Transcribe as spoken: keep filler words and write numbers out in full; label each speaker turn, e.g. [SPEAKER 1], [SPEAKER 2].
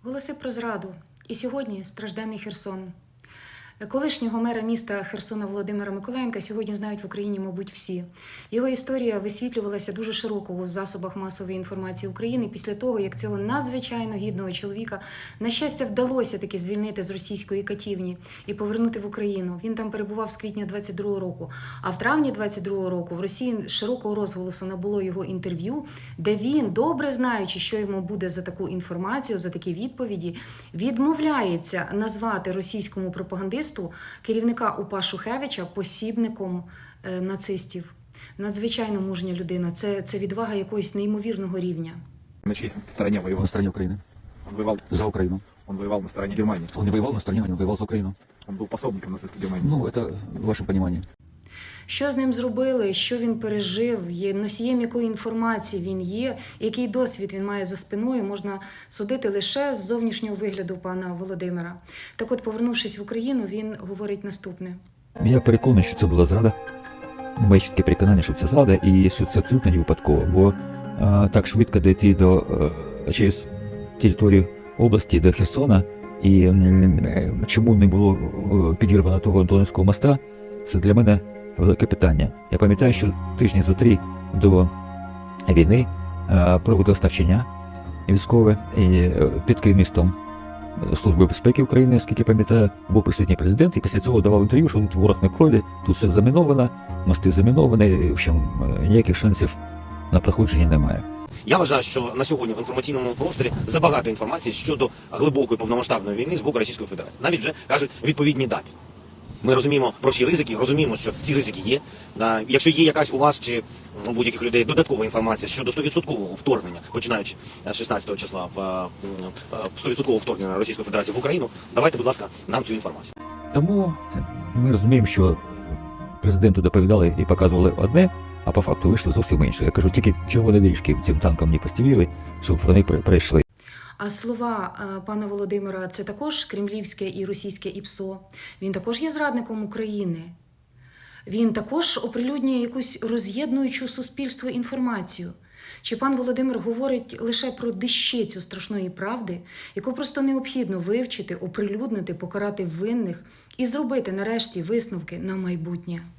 [SPEAKER 1] Голоси про зраду. І сьогодні стражденний Херсон. Колишнього мера міста Херсона Володимира Миколаєнка сьогодні знають в Україні, мабуть, всі. Його історія висвітлювалася дуже широко у засобах масової інформації України після того, як цього надзвичайно гідного чоловіка, на щастя, вдалося таки звільнити з російської катівні і повернути в Україну. Він там перебував з квітня двадцять другого року. А в травні двадцять другого року в Росії широкого розголосу набуло його інтерв'ю, де він, добре знаючи, що йому буде за таку інформацію, за такі відповіді, відмовляється назвати російському пропагандисту керівника УПА Шухевича посібником е, нацистів. Надзвичайно мужня людина. Це, це відвага якогось неймовірного рівня.
[SPEAKER 2] На чьей стороне воевал?
[SPEAKER 3] На стороне Украины.
[SPEAKER 2] Он воевал
[SPEAKER 3] За Украину.
[SPEAKER 2] Он воевал на стороне Германии.
[SPEAKER 3] Он не воевал на стороне, он воевал за Украину.
[SPEAKER 2] Он был пособником нацистской Германии.
[SPEAKER 3] Ну, это в вашем понимании.
[SPEAKER 1] Що з ним зробили, що він пережив, є носієм якої інформації він є, який досвід він має за спиною, можна судити лише з зовнішнього вигляду пана Володимира. Так от, повернувшись в Україну, він говорить наступне.
[SPEAKER 4] Я переконаний, що це була зрада. Моє чітке переконання, що це зрада і що це абсолютно не випадково, бо а, так швидко дійти до, а, через територію області до Херсона і м, чому не було підірвано того Донецького моста, це для мене велике питання. Я пам'ятаю, що тижні за три до війни а, проводив ставчення військове і під керівництвом Служби безпеки України, оскільки пам'ятаю, був присутній президент, і після цього давав інтерв'ю, що тут ворог на крові, тут все заміновано, мости заміновані, в общем, ніяких шансів на проходження немає.
[SPEAKER 5] Я вважаю, що на сьогодні в інформаційному просторі забагато інформації щодо глибокої повномасштабної війни з боку Російської Федерації. Навіть вже кажуть відповідні дати. Ми розуміємо про всі ризики, розуміємо, що ці ризики є. Да, якщо є якась у вас чи у будь-яких людей додаткова інформація щодо сто відсотків вторгнення, починаючи з шістнадцятого числа в сто відсотків вторгнення Російської Федерації в Україну, давайте, будь ласка, нам цю інформацію.
[SPEAKER 4] Тому ми розуміємо, що президенту доповідали і показували одне, а по факту вийшло зовсім інше. Я кажу, тільки червоні доріжки цим танкам не постелили, щоб вони пройшли.
[SPEAKER 1] А слова пана Володимира – це також кремлівське і російське ІПСО. Він також є зрадником України. Він також оприлюднює якусь роз'єднуючу суспільство інформацію. Чи пан Володимир говорить лише про дещицю страшної правди, яку просто необхідно вивчити, оприлюднити, покарати винних і зробити нарешті висновки на майбутнє?